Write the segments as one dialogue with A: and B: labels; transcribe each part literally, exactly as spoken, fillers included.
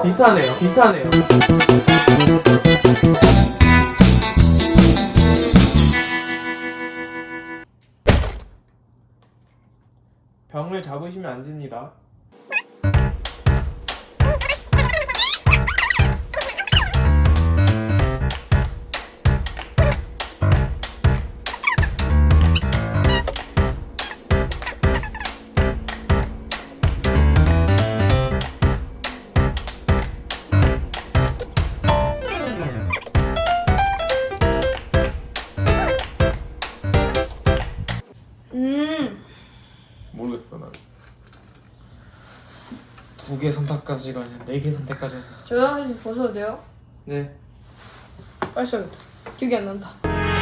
A: 비싸네요. 비싸네요. 병을 잡으시면 안 됩니다.
B: 음.
C: 모르겠어 난. 두 개 선택까지가 아니라 네 개 선택까지 해서.
B: 저요? 이제 벗어도 돼요?
A: 네.
B: 빨리 써야겠다. 기억이 안 난다.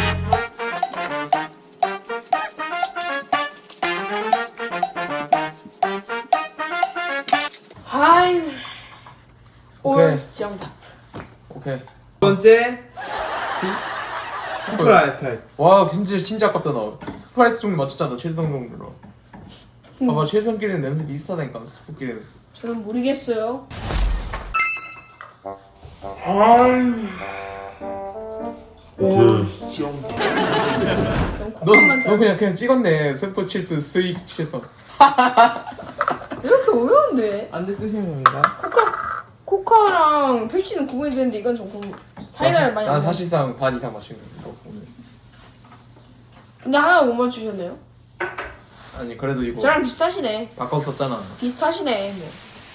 B: 하이.
C: 오케이.
B: 정답.
C: 오케이.
A: 두 번째
C: 치즈.
A: 스프라이트.
C: 와 진짜 진짜 아깝다 나. 스프라이트 종류 맞췄잖아. 칠성 종류로. 봐봐 칠성끼리는 냄새 비슷하다니까 스프끼리는.
B: 저는 모르겠어요.
C: 넌,
B: 넌
C: 넌 그냥 그냥 찍었네. 스프 칠스 스익 칠성.
B: 이렇게 어려운데?
A: 안돼 쓰시면 됩니다.
B: 코카 코카랑 펩시는 구분이 되는데 이건 조금 사이다를 많이.
C: 난
B: 안
C: 사실상 반 이상 맞추는 거 오늘.
B: 근데 하나 못 맞추셨네요.
C: 아니 그래도 이거
B: 저랑 비슷하시네.
C: 바꿨었잖아.
B: 비슷하시네. 뭐.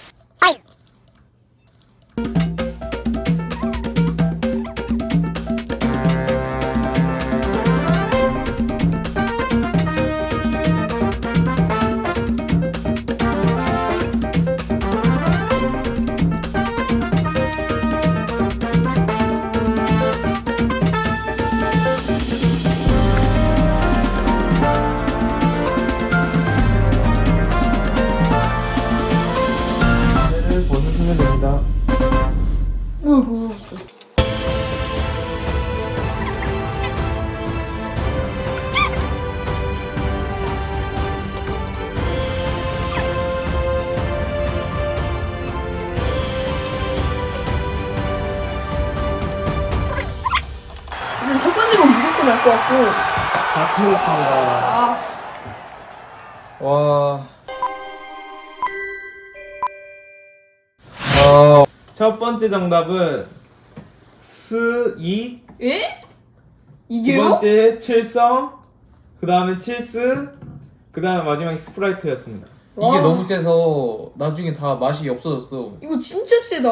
A: 얘를 벗으시면 됩니다.
B: 뭐야 뭐야. 근데 첫 번째 건 무조건 알 것 같고.
A: 다 틀렸습니다.
B: 아.
C: 와. 아.
A: 첫 번째 정답은 스이.
B: 예?
A: 두
B: 이게요?
A: 번째 칠성. 그 다음에 칠스. 그 다음에 마지막에 스프라이트였습니다.
B: 와.
C: 이게 너무 세서 나중에 다 맛이 없어졌어.
B: 이거 진짜 세다.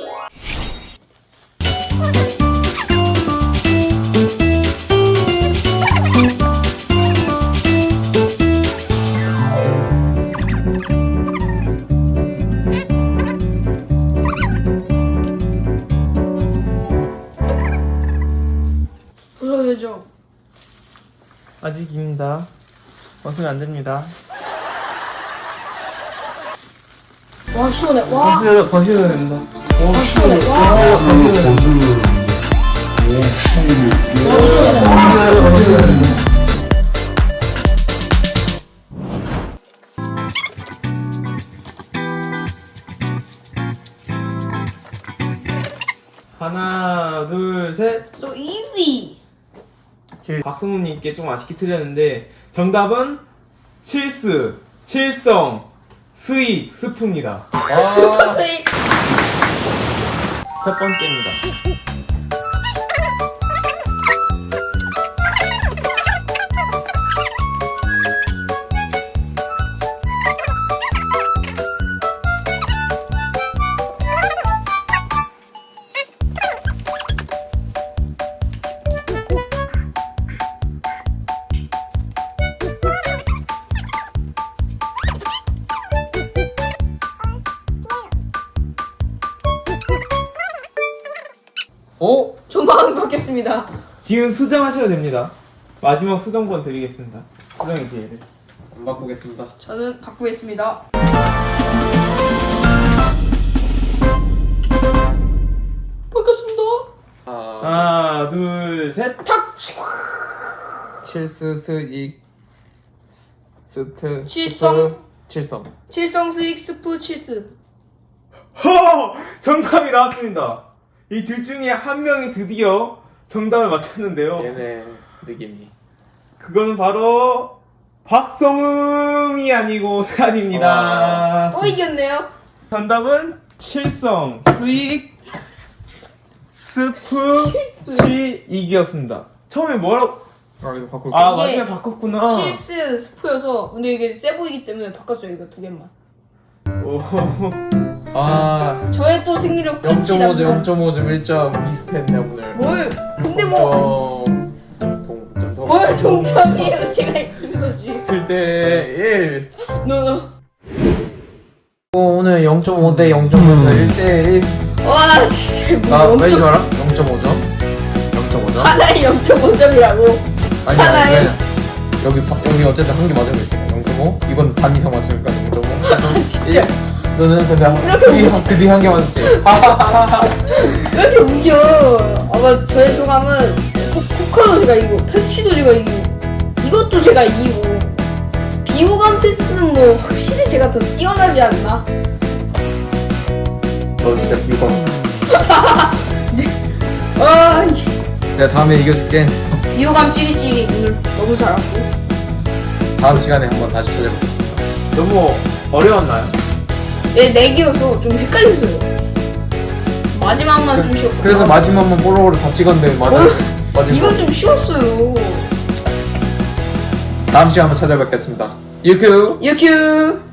B: 벗어도 되죠?
A: 아직입니다. 벗으면 안 됩니다.
B: 와 시원해. 와.
A: 벗으, 벗으셔도 됩니다.
B: 와 시원해. 와. 와 시원해.
A: 하나, 둘, 셋.
B: So easy.
A: 박승우님께 좀 아쉽게 틀렸는데 정답은 칠스, 칠성, 스익, 스프입니다.
B: 슈퍼 세이.
A: 첫 번째입니다.
C: 오?
B: 조만간 걷겠습니다.
A: 지금 수정하셔도 됩니다. 마지막 수정권 드리겠습니다. 수정의 기회를.
C: 안 바꾸겠습니다.
B: 저는 바꾸겠습니다. 바꿨습니다.
C: 아,
A: 하나, 둘, 셋.
B: 탁.
C: 칠스 스익 스트
B: 칠성.
C: 스프, 칠성.
B: 칠성 스익 스프 칠스.
A: 허! 정답이 나왔습니다. 이 둘 중에 한 명이 드디어 정답을 맞췄는데요.
C: 얘네 느낌이.
A: 그거는 바로 박성음이 아니고 세안입니다.
B: 어 이겼네요.
A: 정답은 칠성 스익 스프
B: 칠스.
A: 시익이었습니다. 처음에 뭐라고?
C: 아 이거 바꿀까?
A: 아
B: 이게
A: 마지막에 바꿨구나.
B: 칠스 스프여서 근데 이게 세 보이기 때문에 바꿨어요. 이거 두 개만.
A: 오.
C: 아
B: 저의 또 승리력 끝이
C: 영 점 오 점
B: 납니다.
C: 영 점 오 점 일 점 비슷했네 오늘.
B: 뭘? 근데 뭐
C: 동점 동.
B: 뭘 동점이에요? 제가 이긴 거지.
C: 일 대 일.
B: 노노.
C: 오늘 영 점 오 대 영 점 오에서 일 대 일.
B: 와 진짜
C: 나
B: 뭐
C: 왠줄
B: 영점
C: 알아? 영 점 오 점. 영 점 오 점.
B: 하나에 영 점 오 점이라고.
C: 아니야
B: 하나에?
C: 아니야. 여기 바, 여기 어쨌든 한 개 맞은 거 있어. 영 점 오. 이건 반 이상 맞으니까 영 점 오.
B: 진짜.
C: 너는 근데
B: 이렇게 웃으시-
C: 그 뒤 한 개 맞았지.
B: 왜 이렇게 웃겨? 아마 저의 소감은 코, 코카도 제가 이기고 펩시도 제가 이기고 이것도 제가 이기고 비호감 테스트는 뭐 확실히 제가 더 뛰어나지 않나?
C: 너 진짜 이거.
B: 아 이게
C: 내가 다음에 이겨줄게.
B: 비호감 찌리찌리 오늘 너무 잘하고
C: 다음 시간에 한번 다시 찾아뵙겠습니다.
A: 너무 어려웠나요?
B: 얘 내기여서 좀 헷갈렸어요. 마지막만 좀 쉬웠고
C: 그래서 마지막만 볼로우를 다 찍었는데 맞아.
B: 뭘?
C: 마지막.
B: 이건 좀 쉬웠어요.
C: 다음 시간에 한번 찾아뵙겠습니다. 유튜브.
B: 유큐